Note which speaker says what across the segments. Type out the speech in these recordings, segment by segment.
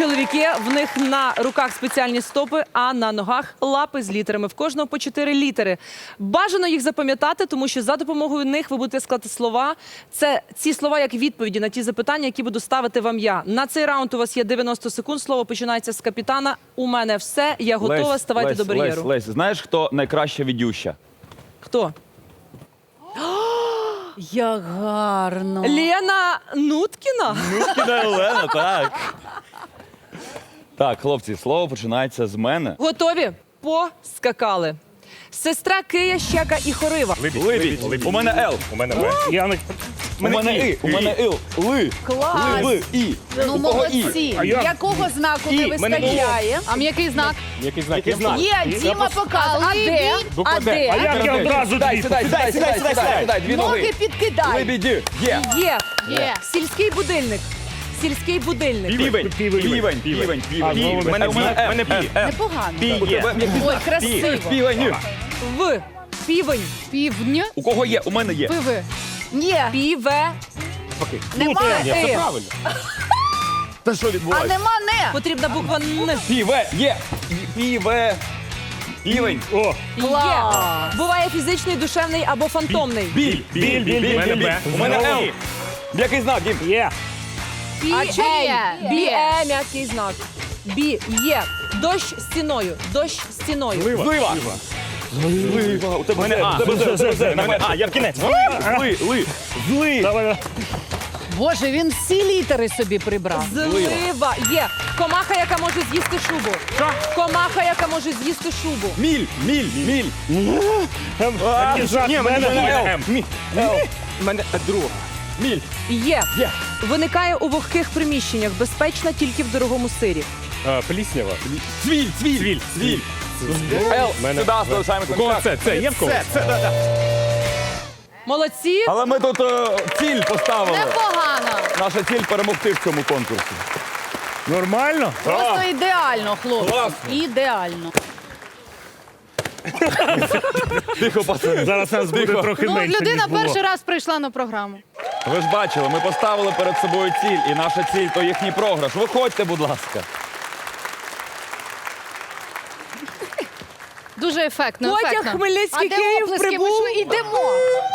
Speaker 1: Чоловіки, в них на руках спеціальні стопи, а на ногах лапи з літерами. В кожного по 4 літери. Бажано їх запам'ятати, тому що за допомогою них ви будете складати слова. Це ці слова як відповіді на ті запитання, які буду ставити вам я. На цей раунд у вас є 90 секунд. Слово починається з капітана. У мене все, я готова, ставайте до бар'єру.
Speaker 2: Лесь, знаєш, хто найкраща відюща?
Speaker 1: Хто?
Speaker 3: Як гарно.
Speaker 1: Лена Нуткіна?
Speaker 2: Нуткіна Олена, так. Так, хлопці, слово починається з мене.
Speaker 1: Готові? Поскакали. Сестра Кия, Щека і Хорива.
Speaker 2: Либідь. У мене Л.
Speaker 4: У мене М. Яник.
Speaker 2: У мене І. У мене Ил. Ли.
Speaker 3: Клас.
Speaker 2: Ли. І.
Speaker 3: Ну,
Speaker 2: У кого І?
Speaker 3: молодці.
Speaker 4: А я?
Speaker 3: Якого знаку
Speaker 4: І.
Speaker 3: не
Speaker 4: Мене
Speaker 3: вистачає?
Speaker 5: А м'який знак?
Speaker 4: Який знак? Який знак?
Speaker 3: Є, Діма показує. А де?
Speaker 4: Буква
Speaker 3: А
Speaker 4: Д. А
Speaker 3: де?
Speaker 4: як я одразу
Speaker 2: Сідай,
Speaker 4: дві?
Speaker 2: сідай. Дві ноги.
Speaker 3: Ноги підкидай.
Speaker 2: Лебіді. Є.
Speaker 1: Є.
Speaker 5: Є.
Speaker 1: Сільський будильник. Сільський будильник.
Speaker 2: Півень.
Speaker 4: А, знову
Speaker 2: У мене
Speaker 4: М.
Speaker 2: М.
Speaker 4: Пі.
Speaker 3: Непогано.
Speaker 4: Є.
Speaker 3: Ой, красиво.
Speaker 2: Півень.
Speaker 1: В. Півень.
Speaker 5: Півдня.
Speaker 2: У кого є? У мене є.
Speaker 5: Пиви.
Speaker 3: Ні,
Speaker 1: Піве.
Speaker 3: немає.
Speaker 4: Ні, це правильно.
Speaker 2: Та що
Speaker 3: А
Speaker 2: відбувається?
Speaker 3: нема не.
Speaker 1: Потрібна буква Н.
Speaker 2: Піве. Є. Піве. Півень.
Speaker 4: О,
Speaker 1: Є. Буває фізичний, душевний або фантомний.
Speaker 2: Біль.
Speaker 4: У мене Б.
Speaker 2: У мене Л. Який знак, Дім?
Speaker 4: Є.
Speaker 1: А
Speaker 5: чи є?
Speaker 1: Бі. М'який знак. Бі. Є. Дощ стіною. Дощ стіною.
Speaker 2: Злива. Злива. У тебе
Speaker 4: мене А.
Speaker 2: У мене А. Я в кінець. Ли. Зли.
Speaker 4: Давай.
Speaker 3: Боже, він всі літери собі прибрав.
Speaker 1: Злива. Є. Комаха, яка може з'їсти шубу. Комаха, яка може з'їсти шубу.
Speaker 2: Міль.
Speaker 4: Який знак?
Speaker 2: Ні,
Speaker 4: У мене
Speaker 2: М.
Speaker 4: М.
Speaker 2: У мене друга. Міль.
Speaker 1: Є.
Speaker 2: Є.
Speaker 1: Виникає у вогких приміщеннях. Безпечна тільки в дорогому сирі.
Speaker 4: Пліснява.
Speaker 2: Цвіль. Л.
Speaker 4: Мене
Speaker 2: Сюди залишаємо
Speaker 4: У кого
Speaker 2: контакт.
Speaker 4: це? Це є в кого?
Speaker 1: Молодці.
Speaker 2: Але ми тут ціль поставили.
Speaker 5: Непогано.
Speaker 2: Наша ціль перемогти в цьому конкурсі.
Speaker 4: Нормально?
Speaker 3: Просто ідеально, хлопці.
Speaker 2: Клас.
Speaker 3: Ідеально.
Speaker 2: Тихо, пацани.
Speaker 4: Зараз нас буде трохи
Speaker 5: Ну,
Speaker 4: менше,
Speaker 5: людина
Speaker 4: ніж було.
Speaker 5: перший раз прийшла на програму.
Speaker 2: Ви ж бачили, ми поставили перед собою ціль, і наша ціль – то їхній програш. Виходьте, будь ласка.
Speaker 5: Дуже ефектно,
Speaker 1: Потяг
Speaker 5: ефектно.
Speaker 1: Хмельницький,
Speaker 5: А де
Speaker 1: Київ,
Speaker 5: оплески?
Speaker 1: прибув.
Speaker 5: Ми що, ідемо?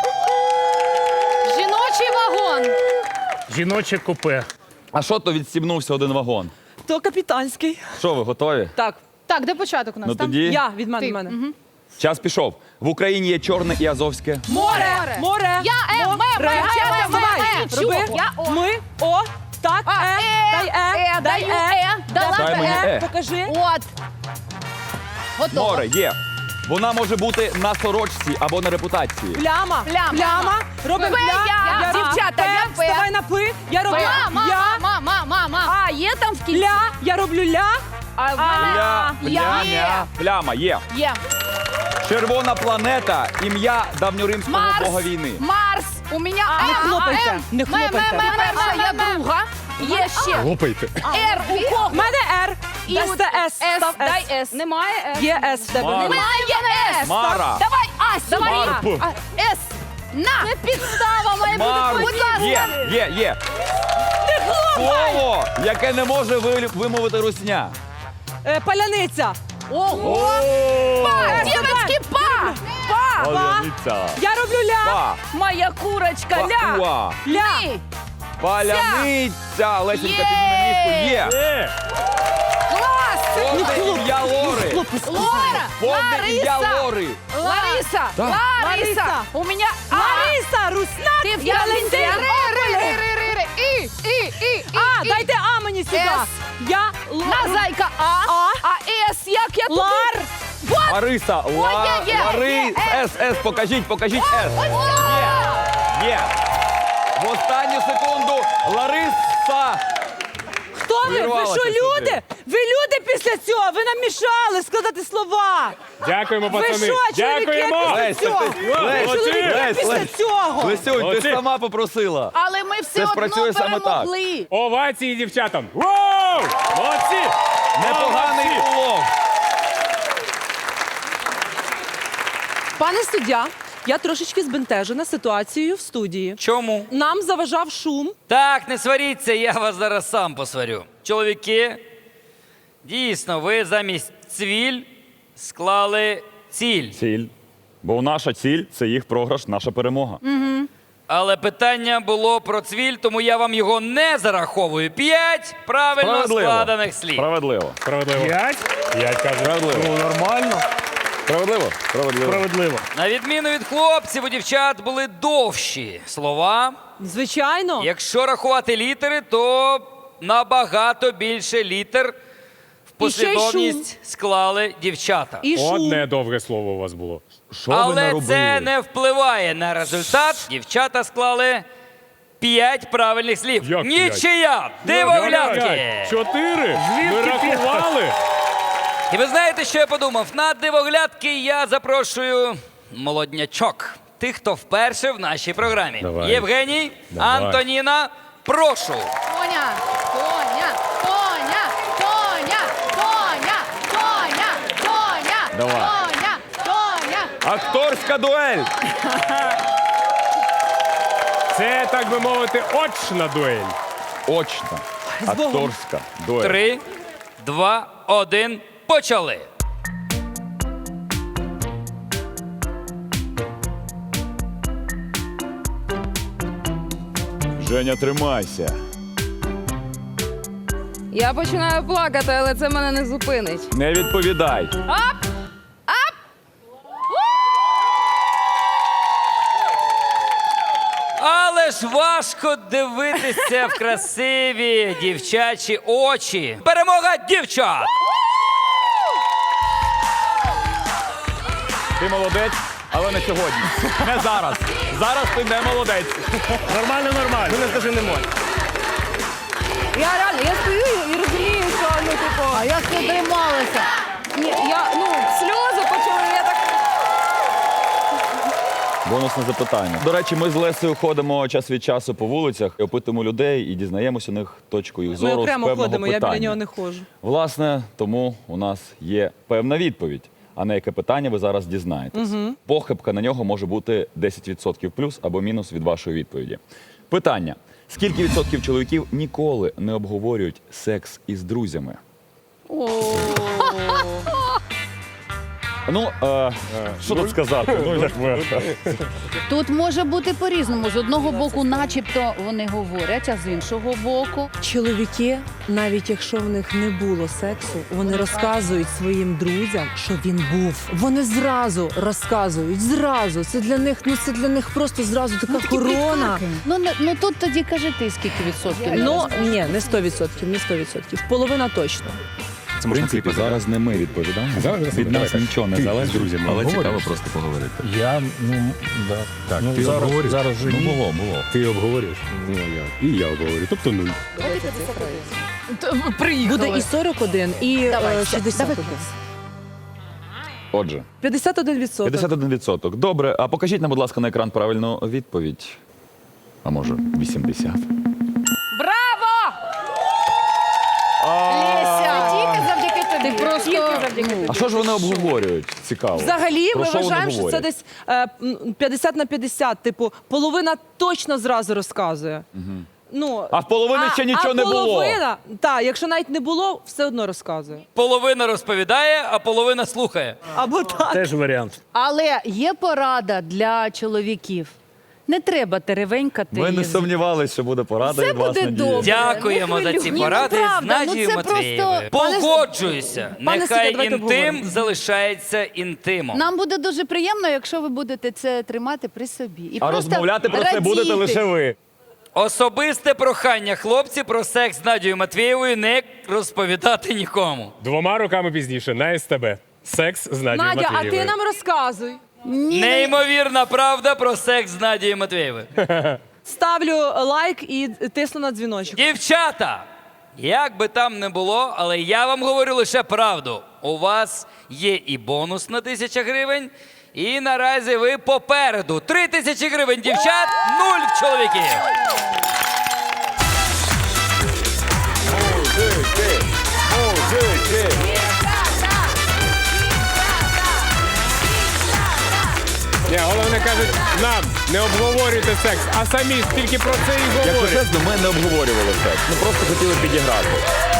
Speaker 5: Жіночий вагон.
Speaker 4: Жіноче купе.
Speaker 2: А що то відстібнувся один вагон?
Speaker 1: То капітанський.
Speaker 2: Що, ви готові?
Speaker 1: Так,
Speaker 5: Так, де початок у нас?
Speaker 2: Ну
Speaker 5: Там?
Speaker 2: тоді
Speaker 1: я від мене.
Speaker 5: Ти.
Speaker 1: Від мене.
Speaker 2: час пішов. В Україні є Чорне і Азовське.
Speaker 1: Море. Море.
Speaker 5: Я М,
Speaker 1: Море. Давай. Роби.
Speaker 5: Я О.
Speaker 1: Ми. О. Так.
Speaker 5: А,
Speaker 1: Дай Дай
Speaker 5: даю дала
Speaker 2: Дай мені Е.
Speaker 1: Покажи.
Speaker 5: От. Готово.
Speaker 2: Море є. Вона може бути на сорочці або на репутації.
Speaker 1: Пляма.
Speaker 5: Пляма.
Speaker 1: Пляма. Робимо
Speaker 5: П, я. Дівчата, я П.
Speaker 1: Вставай на П. Я роблю. Я.
Speaker 5: Мама.
Speaker 3: А, є там в кінці?
Speaker 1: Ля. Я роблю ля.
Speaker 3: А в мене
Speaker 2: Пляма. Пляма є.
Speaker 5: Є.
Speaker 2: Червона планета. Ім'я давньоримського
Speaker 5: Марс.
Speaker 2: бога війни.
Speaker 5: Марс. У мене
Speaker 1: Не
Speaker 5: М.
Speaker 1: хлопайте.
Speaker 5: М.
Speaker 1: Не хлопайте.
Speaker 5: Перша, я друга. Є ще.
Speaker 4: Лопайте.
Speaker 5: Р. У кого?
Speaker 1: В мене Р.
Speaker 5: І
Speaker 1: Дай
Speaker 5: от
Speaker 1: це С. Став
Speaker 5: Дай
Speaker 1: С.
Speaker 5: С. Немає С.
Speaker 1: Є С в тебе.
Speaker 2: Мара.
Speaker 1: Немає.
Speaker 5: Немає С.
Speaker 2: Мара.
Speaker 5: Давай Ась. Давай.
Speaker 4: Марпу.
Speaker 5: С. На. Це підстава має бути.
Speaker 2: Марс.
Speaker 5: Будь ласка.
Speaker 2: Є. Слово, яке не може вимовити русня.
Speaker 1: Паляниця.
Speaker 5: Ого. Па. Дівочки, па.
Speaker 2: Паляниця.
Speaker 1: Я роблю ля.
Speaker 2: Па.
Speaker 3: моя курочка, ля.
Speaker 2: Пауа.
Speaker 1: Ля.
Speaker 5: Ні.
Speaker 2: Паляниця. Лесенька, підніми міску. Є.
Speaker 5: Клас.
Speaker 2: Повне ім'я Лори.
Speaker 5: Лора.
Speaker 2: Повне ім'я
Speaker 5: Лариса.
Speaker 2: Лори.
Speaker 5: Лариса.
Speaker 2: Так.
Speaker 5: Лариса. У мене А.
Speaker 1: Лариса, Русна.
Speaker 5: Ти в
Speaker 1: Я
Speaker 5: Ялинці.
Speaker 1: Валентин.
Speaker 5: Ри. І.
Speaker 1: А, дайте А мені сюди.
Speaker 5: С.
Speaker 1: Я
Speaker 5: На зайка А. А С. Як я тут?
Speaker 1: Лар.
Speaker 2: Лариса.
Speaker 5: Є.
Speaker 2: Лари. С. Покажіть С. Є. В останню секунду Лариса.
Speaker 1: Хто ви? Ви
Speaker 2: Вирвалася
Speaker 1: що,
Speaker 2: сюди.
Speaker 1: люди? Ви люди після цього? Ви нам мішали складати слова.
Speaker 4: Дякуємо,
Speaker 1: Ви
Speaker 4: пацани.
Speaker 1: що, чоловіки
Speaker 4: Дякуємо.
Speaker 1: після цього?
Speaker 4: Молодці.
Speaker 1: Чоловіки після цього.
Speaker 2: Лесюнь, ти
Speaker 4: Молодці.
Speaker 2: ж сама попросила.
Speaker 3: Але ми все
Speaker 2: Це
Speaker 3: одно
Speaker 2: спрацює саме так.
Speaker 3: перемогли.
Speaker 4: Овації дівчатам. Воу! Молодці.
Speaker 2: Непоганий
Speaker 4: Молодці.
Speaker 2: улов.
Speaker 1: Пане суддя, я трошечки збентежена ситуацією в студії.
Speaker 6: Чому?
Speaker 1: Нам заважав шум.
Speaker 6: Так, не сваріться, я вас зараз сам посварю. Чоловіки, Дійсно, ви замість цвіль склали ціль.
Speaker 2: Ціль. Бо наша ціль це їх програш, наша перемога.
Speaker 6: Але питання було про цвіль, тому я вам його не зараховую. 5 правильно складених слів.
Speaker 2: Справедливо.
Speaker 4: Справедливо. 5? 5, кажу.
Speaker 2: Справедливо.
Speaker 4: Ну, нормально.
Speaker 2: Справедливо? Справедливо.
Speaker 4: Справедливо.
Speaker 6: На відміну від хлопців, у дівчат були довші слова.
Speaker 1: Звичайно.
Speaker 6: Якщо рахувати літери, то набагато більше літер в
Speaker 1: І ще й шум.
Speaker 6: послідовність склали дівчата.
Speaker 1: І шум.
Speaker 4: Одне довге слово у вас було.
Speaker 2: Що ви
Speaker 6: Але
Speaker 2: наробили?
Speaker 6: це не впливає на результат. Дівчата склали 5 правильних слів.
Speaker 4: Як
Speaker 6: Нічия! Дивоглядки!
Speaker 4: 4? Ми рахували.
Speaker 6: І ви знаєте, що я подумав? На дивоглядки я запрошую молоднячок. Тих, хто вперше в нашій програмі.
Speaker 4: Давай.
Speaker 6: Євгеній,
Speaker 4: Давай.
Speaker 6: Антоніна, прошу.
Speaker 5: Тоня, Тоня, Тоня, Тоня, Тоня, Тоня, Тоня,
Speaker 2: Давай.
Speaker 5: Тоня, Тоня.
Speaker 2: Акторська дуель!
Speaker 4: Це, так би мовити, очна дуель.
Speaker 2: Очна. Акторська дуель.
Speaker 6: 3, 2, 1, почали.
Speaker 2: Женя, тримайся.
Speaker 7: Я починаю плакати, але це мене не зупинить.
Speaker 2: Не відповідай.
Speaker 6: Але ж важко дивитися в красиві дівчачі очі. Перемога дівчат!
Speaker 2: Ти молодець, але не сьогодні. Не зараз. Зараз ти не молодець.
Speaker 4: Нормально, нормально.
Speaker 2: Не скажи не можна.
Speaker 7: Я реально, я стою і розумію, що ну типу.
Speaker 3: А як ти трималася?
Speaker 7: Ні, сльози почали, я так.
Speaker 2: Бонусне запитання. До речі, ми з Лесею ходимо час від часу по вулицях, опитуємо людей і дізнаємося у них точку їх
Speaker 1: Ми
Speaker 2: зору з
Speaker 1: окремо
Speaker 2: певного
Speaker 1: ходимо, я
Speaker 2: питання.
Speaker 1: біля нього не ходжу.
Speaker 2: Власне, тому у нас є певна відповідь. А на яке питання ви зараз дізнаєтесь. Похибка на нього може бути 10% плюс або мінус від вашої відповіді. Питання. Скільки відсотків чоловіків ніколи не обговорюють секс із друзями? Ну, що тут сказати? Ну, як ви?
Speaker 3: Тут може бути по-різному. З одного боку, начебто вони говорять, а з іншого боку.
Speaker 1: Чоловіки, навіть якщо в них не було сексу, вони розказують своїм друзям, що він був. Вони зразу розказують, зразу. Це для них просто зразу така корона.
Speaker 3: Ну тут тоді кажи ти, скільки відсотків.
Speaker 1: Ну, ні, не 100%, не 100%. Половина точно.
Speaker 2: В принципі, зараз не ми відповідаємо. Від нас нічого не залежить, друзі. Але цікаво просто поговорити.
Speaker 8: Я, так, ти обговорюєш? Зараз же ні.
Speaker 2: Було.
Speaker 8: Ти обговорюєш? Ну, я. І я обговорю. Тобто 0.
Speaker 1: Буде і 41, і 61.
Speaker 2: Отже,
Speaker 1: 51%.
Speaker 2: 51%. Добре, а покажіть нам, будь ласка, на екран правильну відповідь. А може, 80?
Speaker 5: Браво! Леся, тільки завдяки тобі.
Speaker 7: Ти просто.
Speaker 2: А що ж вони обговорюють? Цікаво.
Speaker 1: Взагалі,
Speaker 2: Про
Speaker 1: ми
Speaker 2: що вони
Speaker 1: вважаємо, що це
Speaker 2: говорять?
Speaker 1: десь 50 на 50. Типу, половина точно зразу розказує. Ну,
Speaker 2: А в половини ще нічого не було.
Speaker 1: половина, так, якщо навіть не було, все одно розказує.
Speaker 6: Половина розповідає, а половина слухає.
Speaker 1: Або так.
Speaker 4: Теж варіант.
Speaker 3: Але є порада для чоловіків. Не треба теревенькати.
Speaker 2: Ми не сумнівалися, що буде порада
Speaker 3: Все
Speaker 2: від вас,
Speaker 3: буде
Speaker 2: Надія.
Speaker 3: добре.
Speaker 6: Дякуємо за ці
Speaker 3: хвилюй.
Speaker 6: поради
Speaker 3: Ні, ну,
Speaker 6: з
Speaker 3: правда,
Speaker 6: Надією
Speaker 3: це
Speaker 6: Матвієвою.
Speaker 3: просто-
Speaker 6: Погоджуюся.
Speaker 1: Пане
Speaker 6: Нехай
Speaker 1: Сидя, давайте
Speaker 6: інтим
Speaker 1: обговоримо.
Speaker 6: залишається інтимом.
Speaker 3: Нам буде дуже приємно, якщо ви будете це тримати при собі. І
Speaker 2: А
Speaker 3: просто
Speaker 2: розмовляти про це
Speaker 3: радіти.
Speaker 2: будете лише ви.
Speaker 6: Особисте прохання хлопці про секс з Надією Матвієвою не розповідати нікому.
Speaker 4: 2 роками пізніше на СТБ. Секс з Надією
Speaker 1: Надя, а
Speaker 4: Матвієвою.
Speaker 1: ти нам розказуй.
Speaker 6: Неймовірна правда про секс з Надією Матвієвою.
Speaker 1: Ставлю лайк і тисну на дзвіночок.
Speaker 6: Дівчата, як би там не було, але я вам говорю лише правду. У вас є і бонус на 1000 гривень, і наразі ви попереду. 3000 гривень дівчат, 0 чоловіків.
Speaker 4: Ні, головне кажуть, нам не обговорюйте секс, а самі тільки про це і
Speaker 2: Якщо
Speaker 4: говорять.
Speaker 2: чесно, ми не обговорювали секс. Ми просто хотіли підіграти.